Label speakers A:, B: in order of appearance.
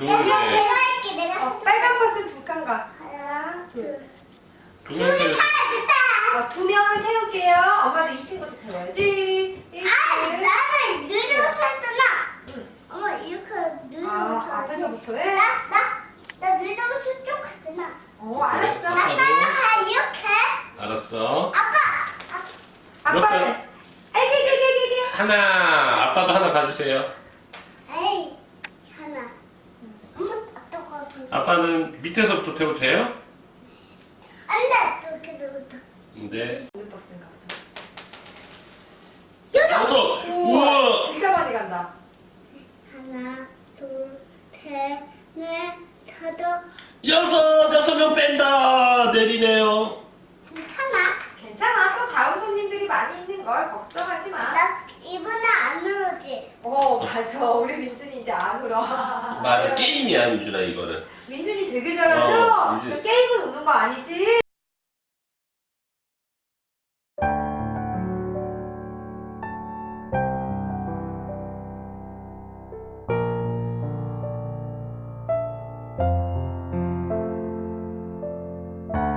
A: 둘,
B: 내가
A: 셋.
B: 할게. 내가.
C: 빨간 버스 두 칸가.
B: 하나, 둘.
A: 두 명 태워.
B: 됐다.
C: 두 명을 태울게요. 엄마도 2층부터 태워야지. 1층.
B: 나는 느려서 했잖아.
C: 응.
B: 엄마 이렇게 느려서.
C: 앞에서부터 해?
B: 나 느려서 쭉 했잖아.
C: 알았어.
A: 그래. 아빠도.
B: 아빠가 이렇게.
A: 알았어.
C: 아빠는. 애기기기기기.
A: 하나. 아빠도 하나 가주세요.
B: 에이, 하나. 엄마 아빠가.
A: 아빠는 밑에서부터 태워도 돼요?
B: 안돼. 이렇게 누르다.
A: 네.
C: 우리 버스인가 보다.
A: 여섯. 우와.
C: 진짜 많이 간다.
B: 하나, 둘, 셋, 넷, 다섯.
A: 여섯 명 뺀다. 내리네요.
B: 괜찮아.
C: 괜찮아. 또 다음 손님들이 많이 있는 걸 걱정하지 마.
B: 나 이번에 안 누르지.
C: 맞아. 우리 민준이 이제 안 울어.
A: 맞아. 게임이야, 민준아, 이거는.
C: 민준이 되게 잘하죠?
A: 민준이.
C: 게임은 우는 거 아니지?